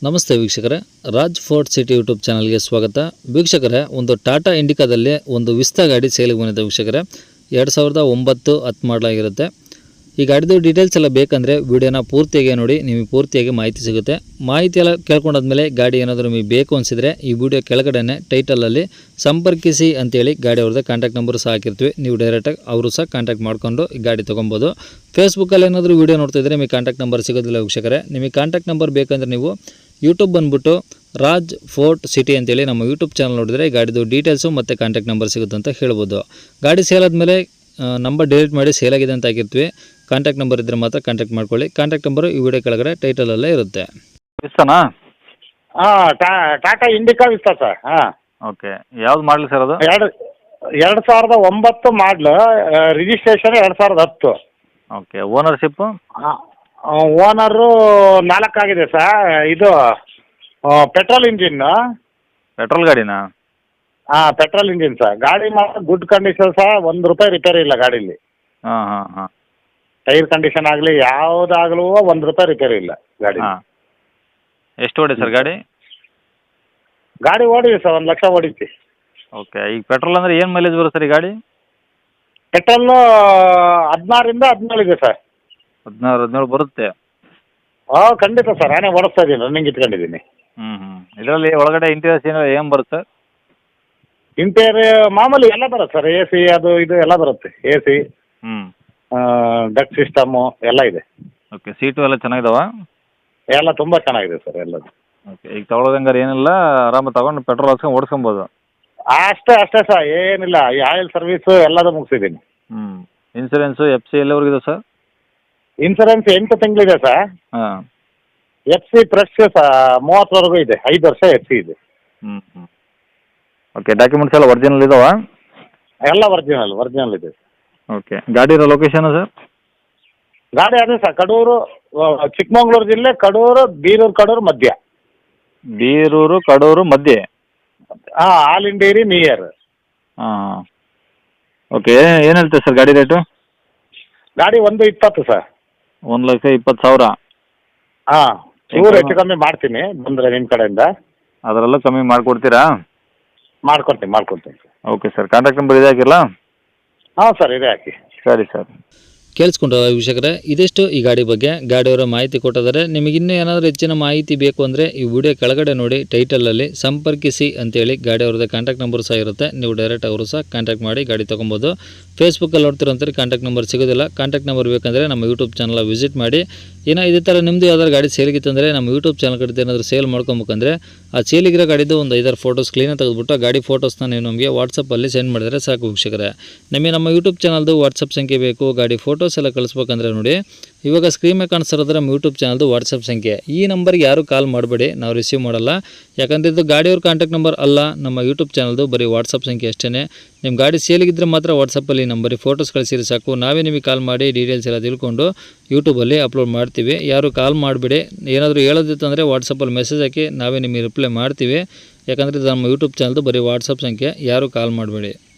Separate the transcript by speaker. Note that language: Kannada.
Speaker 1: ನಮಸ್ತೆ ವೀಕ್ಷಕರೇ, ರಾಜ್ ಫೋರ್ಟ್ ಸಿಟಿ ಯೂಟ್ಯೂಬ್ ಚಾನಲ್ಗೆ ಸ್ವಾಗತ. ವೀಕ್ಷಕರೇ, ಒಂದು ಟಾಟಾ ಇಂಡಿಕಾದಲ್ಲಿ ಒಂದು ವಿಸ್ತಾ ಗಾಡಿ ಸೇಲಿಗೆ ಬಂದಿದೆ ವೀಕ್ಷಕರೇ. 2009 10 ಮಾಡಲಾಗಿರುತ್ತೆ. ಈ ಗಾಡಿದು ಡೀಟೇಲ್ಸ್ ಎಲ್ಲ ಬೇಕಂದರೆ ವಿಡಿಯೋನ ಪೂರ್ತಿಯಾಗಿ ನೋಡಿ, ನಿಮಗೆ ಪೂರ್ತಿಯಾಗಿ ಮಾಹಿತಿ ಸಿಗುತ್ತೆ. ಮಾಹಿತಿ ಎಲ್ಲ ಕೇಳ್ಕೊಂಡಾದ್ಮೇಲೆ ಗಾಡಿ ಏನಾದರೂ ನಿಮಗೆ ಬೇಕು ಅನಿಸಿದರೆ ಈ ವಿಡಿಯೋ ಕೆಳಗಡೆ ಟೈಟಲಲ್ಲಿ ಸಂಪರ್ಕಿಸಿ ಅಂತೇಳಿ ಗಾಡಿ ಅವ್ರದ್ದು ಕಾಂಟ್ಯಾಕ್ಟ್ ನಂಬರ್ ಸಹ ಹಾಕಿರ್ತೀವಿ. ನೀವು ಡೈರೆಕ್ಟಾಗಿ ಅವರು ಸಹ ಕಾಂಟ್ಯಾಕ್ಟ್ ಮಾಡ್ಕೊಂಡು ಈ ಗಾಡಿ ತೊಗೊಬೋದು. ಫೇಸ್ಬುಕ್ಕಲ್ಲಿ ಏನಾದರೂ ವೀಡಿಯೋ ನೋಡ್ತಿದ್ರೆ ನಿಮಗೆ ಕಾಂಟ್ಯಾಕ್ಟ್ ನಂಬರ್ ಸಿಗೋದಿಲ್ಲ ವೀಕ್ಷಕರೇ. ನಿಮಗೆ ಕಾಂಟ್ಯಾಕ್ಟ್ ನಂಬರ್ ಬೇಕಂದರೆ ನೀವು ಯೂಟ್ಯೂಬ್ ಬಂದುಬಿಟ್ಟು ರಾಜ್ ಫೋರ್ಟ್ ಸಿಟಿ ಅಂತೇಳಿ ನಮ್ಮ ಯೂಟ್ಯೂಬ್ ಚಾನಲ್ ನೋಡಿದರೆ ಗಾಡಿದು ಡೀಟೇಲ್ಸು ಮತ್ತು ಕಾಂಟ್ಯಾಕ್ಟ್ ನಂಬರ್ ಸಿಗುತ್ತೆ ಅಂತ ಹೇಳ್ಬೋದು. ಗಾಡಿ ಸೇಲ್ ಆದಮೇಲೆ ನಂಬರ್ ಡಿಲೀಟ್ ಮಾಡಿ ಸೇಲ್ ಆಗಿದೆ ಅಂತ ಹಾಕಿರ್ತೀವಿ. ಕಾಂಟ್ಯಾಕ್ಟ್ ನಂಬರ್ ಇದ್ದರೆ ಮಾತ್ರ ಕಾಂಟ್ಯಾಕ್ಟ್ ಮಾಡ್ಕೊಳ್ಳಿ. ಕಾಂಟ್ಯಾಕ್ಟ್ ನಂಬರು ಈ ವಿಡಿಯೋ ಕೆಳಗಡೆ ಟೈಟಲಲ್ಲೇ ಇರುತ್ತೆ.
Speaker 2: ವಿಸ್ತಾನಾ?
Speaker 3: ಹಾಂ, ಟಾಟಾ ಇಂಡಿಕಾ ವಿಸ್ತಾ ಸರ್. ಹಾಂ,
Speaker 2: ಓಕೆ. ಯಾವ್ದು ಮಾಡಲಿ ಸರ್ ಅದು?
Speaker 3: 2009 ಮಾಡಲು, ರಿಜಿಸ್ಟ್ರೇಷನ್ 2010.
Speaker 2: ಓಕೆ. ಓನರ್ಶಿಪ್ಪು?
Speaker 3: ಓನರು 4 ಆಗಿದೆ ಸರ್. ಇದು ಪೆಟ್ರೋಲ್ ಇಂಜಿನ್ನು.
Speaker 2: ಪೆಟ್ರೋಲ್ ಗಾಡಿನಾ?
Speaker 3: ಹಾಂ, ಪೆಟ್ರೋಲ್ ಇಂಜಿನ್ ಸರ್. ಗಾಡಿ ಮಾತ್ರ ಗುಡ್ ಕಂಡೀಷನ್ ಸರ್. ₹1 ರಿಪೇರಿ ಇಲ್ಲ ಗಾಡೀಲಿ.
Speaker 2: ಹಾಂ ಹಾಂ ಹಾಂ.
Speaker 3: ಟೈರ್ ಕಂಡೀಷನ್ ಆಗಲಿ ಯಾವುದಾಗಲೂ ₹1 ರಿಪೇರಿ ಇಲ್ಲ ಗಾಡಿ.
Speaker 2: ಹಾಂ. ಎಷ್ಟು ಓಡಿ ಸರ್ ಗಾಡಿ?
Speaker 3: ಗಾಡಿ ಓಡಿದೆ ಸರ್, 1 ಲಕ್ಷ ಓಡಿಸಿ.
Speaker 2: ಓಕೆ. ಈಗ ಪೆಟ್ರೋಲ್ ಅಂದರೆ ಏನು ಮೈಲೇಜ್ ಬರುತ್ತೆ ಸರ್ ಈ ಗಾಡಿ?
Speaker 3: ಪೆಟ್ರೋಲು 16ರಿಂದ 17 ಇದೆ ಸರ್.
Speaker 2: 16-17 ಬರುತ್ತೆ?
Speaker 3: ಹಾಂ, ಖಂಡಿತ ಸರ್. ನಾನೇ ಓಡಿಸ್ತಾ ಇದ್ದೀನಿ, ರನ್ನಿಂಗ್ ಇಟ್ಕೊಂಡಿದ್ದೀನಿ.
Speaker 2: ಇದರಲ್ಲಿ ಒಳಗಡೆ ಇಂಟೀರಿಯರ್ಸ್ ಏನು ಬರುತ್ತೆ ಸರ್?
Speaker 3: ಇಂಟೀರಿಯರ್ ಮಾಮೂಲಿ ಎಲ್ಲ ಬರುತ್ತೆ ಸರ್. AC ಅದು ಇದು ಎಲ್ಲ ಬರುತ್ತೆ. AC, ಡಕ್ ಸಿಸ್ಟಮು ಎಲ್ಲ ಇದೆ.
Speaker 2: ಓಕೆ. ಸೀಟು ಎಲ್ಲ ಚೆನ್ನಾಗಿದಾವ?
Speaker 3: ಎಲ್ಲ ತುಂಬ ಚೆನ್ನಾಗಿದೆ ಸರ್ ಎಲ್ಲದು.
Speaker 2: ಓಕೆ. ಈಗ ತೊಗೊಳೋದಂಗಾರೆ ಏನಿಲ್ಲ, ಆರಾಮ ತಗೊಂಡು ಪೆಟ್ರೋಲ್ ಹಾಕ್ಸ್ಕೊಂಡು ಓಡಿಸ್ಕೊಬೋದು?
Speaker 3: ಅಷ್ಟೇ ಸರ್, ಏನಿಲ್ಲ. ಈ ಆಯಿಲ್ ಸರ್ವಿಸು ಎಲ್ಲದೂ ಮುಗಿಸಿದ್ದೀನಿ.
Speaker 2: ಇನ್ಸೂರೆನ್ಸು FC ಎಲ್ಲವರೆಗಿದೆ ಸರ್?
Speaker 3: ಇನ್ಸೂರೆನ್ಸ್ 8 ತಿಂಗಳಿದೆ ಸರ್.
Speaker 2: ಹಾಂ.
Speaker 3: FC ಫ್ರೆಶ್ 30ವರೆಗೂ ಇದೆ. 5 ವರ್ಷ FC ಇದೆ.
Speaker 2: ಓಕೆ. ಡಾಕ್ಯುಮೆಂಟ್ಸ್ ಎಲ್ಲ ಒರಿಜಿನಲ್ ಇದಾವ?
Speaker 3: ಎಲ್ಲ ಒರಿಜಿನಲ್ ಇದೆ.
Speaker 2: ಓಕೆ. ಗಾಡಿ ಇರೋ ಲೊಕೇಶನ್ ಸರ್?
Speaker 3: ಗಾಡಿ ಅದೇ ಸರ್, ಕಡೂರು, ಚಿಕ್ಕಮಗಳೂರು ಜಿಲ್ಲೆ, ಕಡೂರು, ಕಡೂರು ಮಧ್ಯ.
Speaker 2: ಬೀರೂರು ಕಡೂರು ಮಧ್ಯೆ?
Speaker 3: ಹಾಂ, ಆಲಿಂಡೇರಿ ನಿಯರ್.
Speaker 2: ಹಾಂ. ಓಕೆ. ಏನು ಹೇಳ್ತೀವಿ ಸರ್ ಗಾಡಿ ರೇಟು?
Speaker 3: ಗಾಡಿ 120 ಸರ್.
Speaker 2: 1,20,000?
Speaker 3: ಹಾಂ, ಚೂರು ಹೆಚ್ಚು ಕಮ್ಮಿ ಮಾಡ್ತೀನಿ ಬಂದರೆ ನಿಮ್ಮ ಕಡೆಯಿಂದ.
Speaker 2: ಅದರಲ್ಲೂ ಕಮ್ಮಿ ಮಾಡಿಕೊಡ್ತೀರಾ?
Speaker 3: ಮಾಡ್ಕೊಡ್ತೀನಿ sir.
Speaker 2: Okay sir. Contact number ಇದೆ ಹಾಕಿಲ್ಲ?
Speaker 3: ಹಾಂ ಸರ್, ಇದೆ ಹಾಕಿ.
Speaker 2: ಸರಿ ಸರ್.
Speaker 1: ಕೇಳಿಸ್ಕೊಂಡ್ರ ವೀಕ್ಷಕರೇ, ಇದಿಷ್ಟು ಈ ಗಾಡಿ ಬಗ್ಗೆ. ಗಾಡಿಯವರ ಮಾಹಿತಿ ಕೊಟ್ಟಿದ್ದಾರೆ. ನಿಮಗೆ ಇನ್ನೂ ಏನಾದರೂ ಹೆಚ್ಚಿನ ಮಾಹಿತಿ ಬೇಕು ಅಂದರೆ ಈ ವಿಡಿಯೋ ಕೆಳಗಡೆ ನೋಡಿ, ಟೈಟಲಲ್ಲಿ ಸಂಪರ್ಕಿಸಿ ಅಂತೇಳಿ ಗಾಡಿಯವ್ರದ್ದು ಕಾಂಟ್ಯಾಕ್ಟ್ ನಂಬರ್ ಸಹ ಇರುತ್ತೆ. ನೀವು ಡೈರೆಕ್ಟ್ ಅವರು ಸಹ ಕಾಂಟ್ಯಾಕ್ಟ್ ಮಾಡಿ ಗಾಡಿ ತೊಗೊಬೋದು. ಫೇಸ್ಬುಕ್ಕಲ್ಲಿ ನೋಡ್ತಿರೋಂಥವ್ರಿಗೆ ಕಾಂಟ್ಯಾಕ್ಟ್ ನಂಬರ್ ಸಿಗೋದಿಲ್ಲ. ಕಾಂಟ್ಯಾಕ್ಟ್ ನಂಬರ್ ಬೇಕಂದರೆ ನಮ್ಮ ಯೂಟ್ಯೂಬ್ ಚಾನಲ್ ವಿಸಿಟ್ ಮಾಡಿ. ಏನೋ ಇದೇ ಥರ ನಿಮ್ಮದು ಯಾವ್ದಾದ್ರು ಗಾಡಿ ಸೇಲಿಗಿತ್ತಂದರೆ ನಮ್ಮ ಯೂಟ್ಯೂಬ್ ಚಾನಲ್ ಕಡೆ ಏನಾದರೂ ಸೇಲ್ ಮಾಡ್ಕೊಬೇಕಂದ್ರೆ ಆ ಸೇಲಿಗಿರೋ ಗಾಡಿದು ಒಂದು 5-6 ಫೋಟೋಸ್ ಕ್ಲೀನಾಗಿ ತೆಗೆದುಬಿಟ್ಟು ಆ ಗಾಡಿ ಫೋಟೋಸ್ನ ನೀವು ನಮಗೆ ವಾಟ್ಸಪ್ಪಲ್ಲಿ ಸೆಂಡ್ ಮಾಡಿದರೆ ಸಾಕು ವೀಕ್ಷಕರೇ. ನಮಗೆ ನಮ್ಮ ಯೂಟ್ಯೂಬ್ ಚಾನಲ್ದು ವಾಟ್ಸಪ್ ಸಂಖ್ಯೆ ಬೇಕು. ಗಾಡಿ ಫೋಟೋಸ್ ಎಲ್ಲ ಕಳಿಸ್ಬೇಕಂದ್ರೆ ನೋಡಿ, ಇವಾಗ ಸ್ಕ್ರೀನ್ ಮೇಲೆ ಕಾಣಿಸ್ತಿರೋದ್ರೆ ನಮ್ಮ ಯೂಟ್ಯೂಬ್ ಚಾನಲ್ದು ವಾಟ್ಸಪ್ ಸಂಖ್ಯೆ. ಈ ನಂಬರ್ಗೆ ಯಾರು ಕಾಲ್ ಮಾಡಬೇಡಿ, ನಾವು ರಿಸೀವ್ ಮಾಡಲ್ಲ. ಯಾಕಂದರೆ ಇದು ಗಾಡಿಯವ್ರ ಕಾಂಟ್ಯಾಕ್ಟ್ ನಂಬರ್ ಅಲ್ಲ, ನಮ್ಮ ಯೂಟ್ಯೂಬ್ ಚಾನಲ್ದು ಬರೀ ವಾಟ್ಸಪ್ ಸಂಖ್ಯೆ ಅಷ್ಟೇ. ನಿಮ್ಮ ಗಾಡಿ ಸೇಲಿಗಿದ್ದರೆ ಮಾತ್ರ ವಾಟ್ಸಪ್ಪಲ್ಲಿ ನಂಬರಿಗೆ ಫೋಟೋಸ್ ಕಳಿಸಿರಿ ಸಾಕು. ನಾವೇ ನಿಮಗೆ ಕಾಲ್ ಮಾಡಿ ಡೀಟೇಲ್ಸ್ ಎಲ್ಲ ತಿಳ್ಕೊಂಡು ಯೂಟ್ಯೂಬಲ್ಲಿ ಅಪ್ಲೋಡ್ ಮಾಡ್ತೀವಿ. ಯಾರು ಕಾಲ್ ಮಾಡಿಬಿಡಿ. ಏನಾದರೂ ಹೇಳೋದಿತ್ತಂದರೆ ವಾಟ್ಸಪ್ಪಲ್ಲಿ ಮೆಸೇಜ್ ಹಾಕಿ, ನಾವೇ ನಿಮಗೆ ರಿಪ್ಲೈ ಮಾಡ್ತೀವಿ. ಯಾಕಂದರೆ ಇದು ನಮ್ಮ ಯೂಟ್ಯೂಬ್ ಚಾನಲ್ದು ಬರೀ ವಾಟ್ಸಪ್ ಸಂಖ್ಯೆ, ಯಾರು ಕಾಲ್ ಮಾಡಬೇಡಿ.